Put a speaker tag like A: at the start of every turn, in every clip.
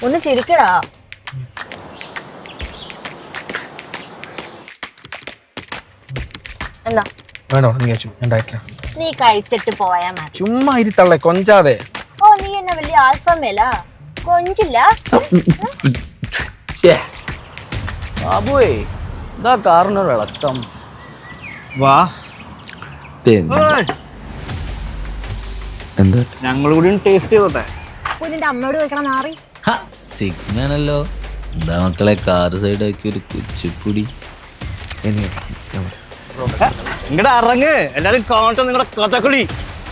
A: ഒന്ന് ചിരിക്കടാ. എന്താ
B: വേണോ? നീ കഴിച്ചു. ഉണ്ടായിട്ടില്ല.
A: നീ കഴിച്ചിട്ട് പോയാ മതി.
B: ചുമ്മാ ഇരുത്തള്ളേ, കൊഞ്ചാതെ.
A: ഓ, നീ എന്നെ വലിയ ആൽഫമേല കൊഞ്ചില്ല.
C: ബാബുവേ, ഇതാ കാറിനൊരു ഇളക്കം.
B: വാ.
C: എന്താ
B: ഞങ്ങൾ കൂടി ടേസ്റ്റ് ചെയ്തോട്ടെ.
A: നിന്റെ അമ്മയോട് ചോദിക്കണം നാറി.
C: സിഗ്നാണല്ലോ. എന്താ മക്കളെ, കാറ് സൈഡാക്കി ഒരു കുച്ചിപ്പുടി.
B: ഇങ്ങടെ ഇറങ്ങ്, എല്ലാരും കാണട്ടെ നിങ്ങളുടെ കഥകളി.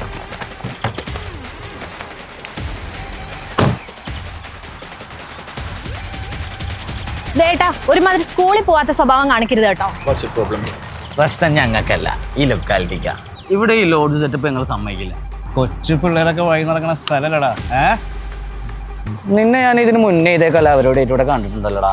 A: ദേട്ടാ, ഒരുമാതിരി സ്കൂളിൽ പോവാത്ത സ്വഭാവം കാണിക്കരുത് കേട്ടോ.
C: പ്രശ്നം ഞങ്ങൾക്കല്ല, ഈ ലൊക്കാലിറ്റിക്കാ. ഇവിടെ ഈ ലോഡ് സെറ്റപ്പ് ഞങ്ങൾ സമ്മതിക്കില്ല.
B: കൊച്ചു പിള്ളേരൊക്കെ വഴി നടക്കുന്ന സ്ഥലല്ലടാ.
C: നിന്നെ ഞാൻ ഇതിന് മുന്നേ ഇതേ കലാവരോട് ഇവിടെ കണ്ടിട്ടുണ്ടല്ലോടാ.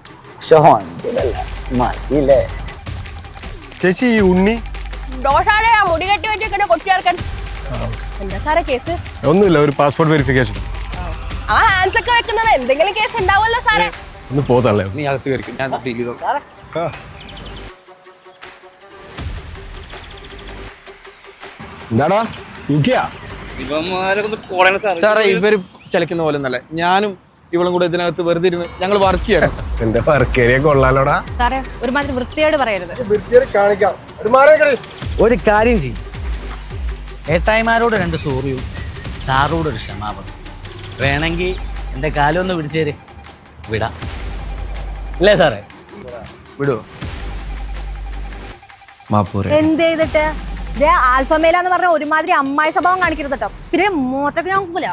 C: മതിയില്ലേ
D: ചേച്ചി? ഈ ഉണ്ണി
A: മുടി കെട്ടി വെച്ചിരിക്കുന്ന കൊച്ചുകാർക്കൻ. എന്താ സാറേ കേസ്?
D: ഒന്നുമില്ല, ഒരു പാസ്പോർട്ട് വെരിഫിക്കേഷൻ.
A: ആ ഹാൻഡ്സ് ഒക്കെ വെക്കുന്നത് എന്തെങ്കിലും കേസ് ഉണ്ടാവുമല്ലോ സാറേ.
D: ഒന്ന് പോതല്ലേ.
B: നീ അകത്ത് കയറിക്കും, ഞാൻ ഡീൽ ചെയ്തോളാം.
D: എന്താടാ തൂക്കിയാ?
B: സാറേ, ഇവര് ചലിക്കുന്ന പോലെ ഒന്നല്ല. ഞാനും ഇവളും കൂടെ ഇതിനകത്ത് വെറുതെ ഇരുന്ന് ഞങ്ങൾ വർക്ക് ചെയ്യണം.
D: എന്റെ വർക്കേരിയ കൊള്ളാലോടാ.
A: സാറേ, ഒരുമാതിരി വൃത്തിയോട് പറയരുത്.
D: കാണിക്കാം.
C: ഒരു കാര്യം ചെയ്യും, ഏട്ടായിമാരോട് 2 സോറിയും സാറോട് ഒരു ക്ഷമാപണം. വേണമെങ്കിൽ എൻ്റെ കാലമൊന്ന് പിടിച്ചേര്, വിടാം. അല്ലേ സാറേ?
B: വിടുവോ?
A: എന്ത് ചെയ്തിട്ട്? ആൽഫമേല എന്ന് പറഞ്ഞ ഒരുമാതിരി അമ്മായി സ്വഭാവം കാണിക്കരുത് കേട്ടോ. പിന്നെ മോത്തൊക്കെ ഞാൻ നോക്കൂല.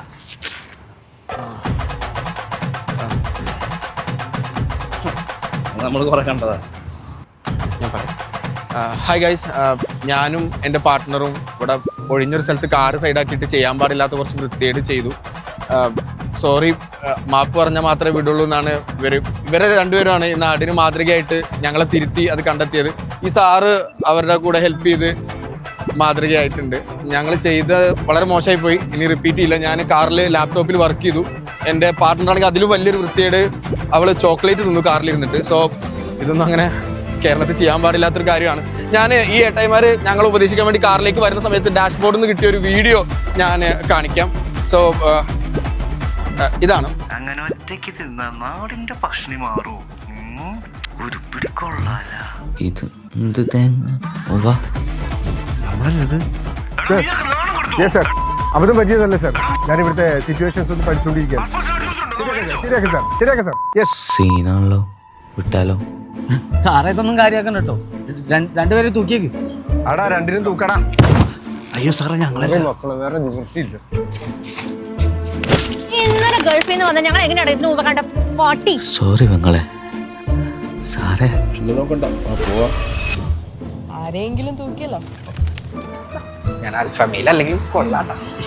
B: നമ്മൾ കുറെ കണ്ടതാ. ഞാൻ പറയാം. ഹായ് ഗൈസ്, ഞാനും എൻ്റെ പാർട്ട്ണറും ഇവിടെ ഒഴിഞ്ഞൊരു സ്ഥലത്ത് കാറ് സൈഡാക്കിയിട്ട് ചെയ്യാൻ പാടില്ലാത്ത കുറച്ച് വൃത്തിയായിട്ട് ചെയ്തു. സോറി, മാപ്പ് പറഞ്ഞാൽ മാത്രമേ വിടുള്ളൂ എന്നാണ് ഇവരെ രണ്ടുപേരുമാണ് ഈ നാടിന് മാതൃകയായിട്ട് ഞങ്ങളെ തിരുത്തി അത് കണ്ടെത്തിയത്. ഈ സാറ് അവരുടെ കൂടെ ഹെൽപ്പ് ചെയ്ത് മാതൃകയായിട്ടുണ്ട്. ഞങ്ങൾ ചെയ്ത് വളരെ മോശമായി പോയി, ഇനി റിപ്പീറ്റ് ചെയ്യില്ല. ഞാൻ കാറിൽ ലാപ്ടോപ്പിൽ വർക്ക് ചെയ്തു. എൻ്റെ പാർട്ട്ണറാണെങ്കിൽ അതിലും വലിയൊരു വൃത്തിയുടെ അവൾ ചോക്ലേറ്റ് തിന്നു കാറിലിരുന്നിട്ട്. സോ ഇതൊന്നും അങ്ങനെ കേരളത്തിൽ ചെയ്യാൻ പാടില്ലാത്തൊരു കാര്യമാണ്. ഞാൻ ഈ ഏട്ടായിമാർ ഞങ്ങൾ ഉപദേശിക്കാൻ വേണ്ടി കാറിലേക്ക് വരുന്ന സമയത്ത് ഡാഷ്ബോർഡിൽ നിന്ന് കിട്ടിയ ഒരു വീഡിയോ ഞാൻ കാണിക്കാം. സോ ഇതാണ്.
E: അങ്ങനെ ഒറ്റയ്ക്ക് തിന്ന നാടിന്റെ പഷ്ണി മാറൂ. ഒരു പിടിക്കൊള്ളാല
C: ഇത് എന്ത് തേങ്ങ?
D: സർ, അബദ്ധം പറ്റിയതല്ലേ സർ. ഞാൻ ഇവിടുത്തെ സിറ്റുവേഷൻസ് ഒന്ന് പഠിച്ചുകൊണ്ടിരിക്കുകയാണ്. ശരിയാക്കാം സർ.
C: സീനാണല്ലോ, വിട്ടാലോ? സാറേ, ഇതൊന്നും കാര്യമാക്കണ്ട കേട്ടോ. രണ്ടുപേരെ തൂക്കിയേക്ക്.
D: ആടാ, രണ്ടിനും തൂക്കടാ.
B: അയ്യോ സാറേ, ഞങ്ങളെ
D: മക്കളെ വേറെ നിവൃത്തിയില്ല.
A: ഇന്നലെ ഗൾഫിൽ നിന്ന് വന്ന ഞങ്ങൾ എങ്ങനെയാണ് ഇതിന് മുമ്പ് കണ്ട പാട്ടി?
C: സോറി പെങ്ങളെ. സാറേ,
D: നോക്കണ്ട, പോവാ.
F: ആരെങ്കിലും തൂക്കിയല്ലോ.
B: ഞാൻ അൽഫമീൽ അല്ലെങ്കിൽ കൊള്ളാട്ട.